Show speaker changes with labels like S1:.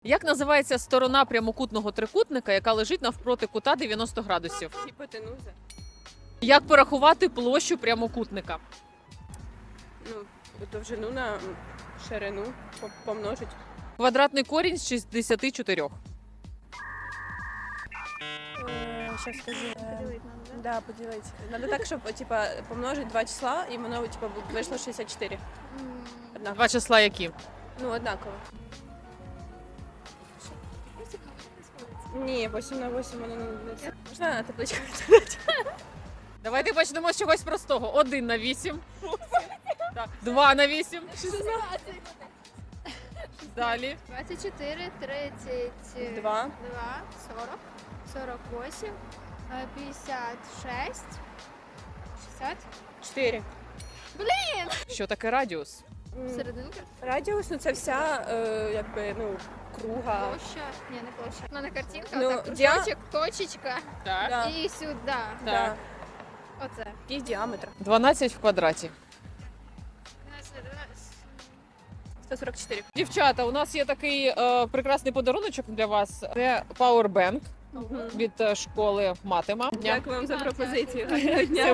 S1: Як називається сторона прямокутного трикутника, яка лежить навпроти кута 90 градусів?
S2: Гіпотенуза.
S1: Як порахувати площу прямокутника?
S2: Ну, довжину на ширину помножить.
S1: Квадратний корінь з 64.
S2: Сейчас скажу. Да, поделить. Надо так, чтобы типа помножить два числа, и воно типа вийшло 64. Однаково.
S1: Два числа які?
S2: Ну, однаково. Ні, 8 на 8 воно не це. Можна на табличку відповідати?
S1: Давайте почнемо з чогось простого. 1 на 8. Так. 2 на 8. Далі.
S3: 24, 32,
S2: 2.
S3: 40, 48, 56, 60.
S2: 4.
S1: Що таке радіус?
S3: Серединка.
S2: Радіус, ну це вся, якби, ну, круга.
S3: Площа. Ні, не площа. У мене картинка,
S2: Ну,
S3: отак, кружочок, точечка.
S1: Так.
S2: Да.
S3: І сюди.
S2: Да.
S3: Оце.
S2: Який діаметр?
S1: 12 в квадраті.
S2: 144.
S1: Дівчата, у нас є такий прекрасний подаруночок для вас. Це Powerbank від школи Матема.
S2: Дякую вам за пропозицію. Гарного дня.